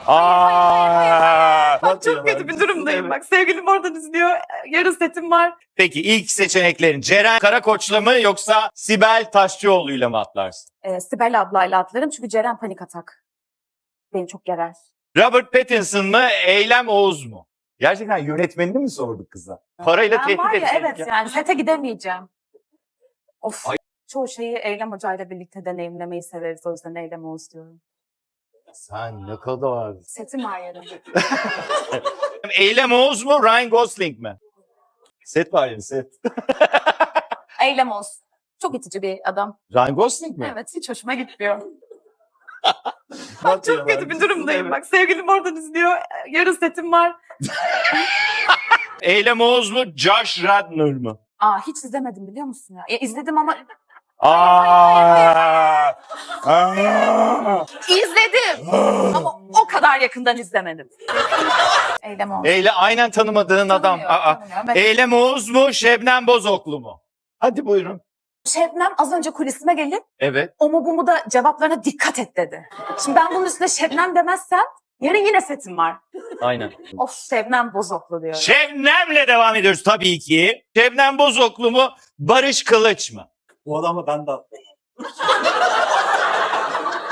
Bak çok kötü bir durumdayım bak. Sevgilim oradan izliyor. Yarın setim var. Peki ilk seçeneklerin Ceren Karakoç'la mı yoksa Sibel Taşçıoğlu'yla mı atlarsın? Sibel ablayla atlarım çünkü Ceren panik atak. Beni çok gerer. Robert Pattinson mı Eylem Oğuz mu? Gerçekten yönetmenini mi sorduk kıza? Parayla Ben tehdit var ya etmek. evet yani sete gidemeyeceğim. Of. Çoğu şeyi Eylem Hoca ile birlikte deneyimlemeyi severiz. O yüzden Eylem Oğuz diyorum. Sen ne kadar... Setim var yarın. Eylem Oğuz mu Ryan Gosling mi? Set var ya set. Eylem Oğuz. Çok itici bir adam. Ryan Gosling mi? Evet hiç hoşuma gitmiyor. Bak çok kötü bir durumdayım bak. Sevgilim oradan izliyor. Yarın setim var. Eylem Oğuz mu Josh Radnor mu? Hiç izlemedim biliyor musun ya? İzledim ama... İzledim. Ama o kadar yakından izlemedim. Eylem Oğuz. Aynen tanımadığın adam. Tanımıyorum, evet. Eylem Oğuz mu Şebnem Bozoklu mu? Hadi buyurun. Şebnem az önce kulisime gelip Evet. o mu bu mu da cevaplarına dikkat et dedi. Şimdi ben bunun üstüne Şebnem demezsem yarın yine setim var. Aynen. Of Şebnem Bozoklu diyorum. Şebnem'le devam ediyoruz tabii ki. Şebnem Bozoklu mu Barış Kılıç mı? Bu adamla ben de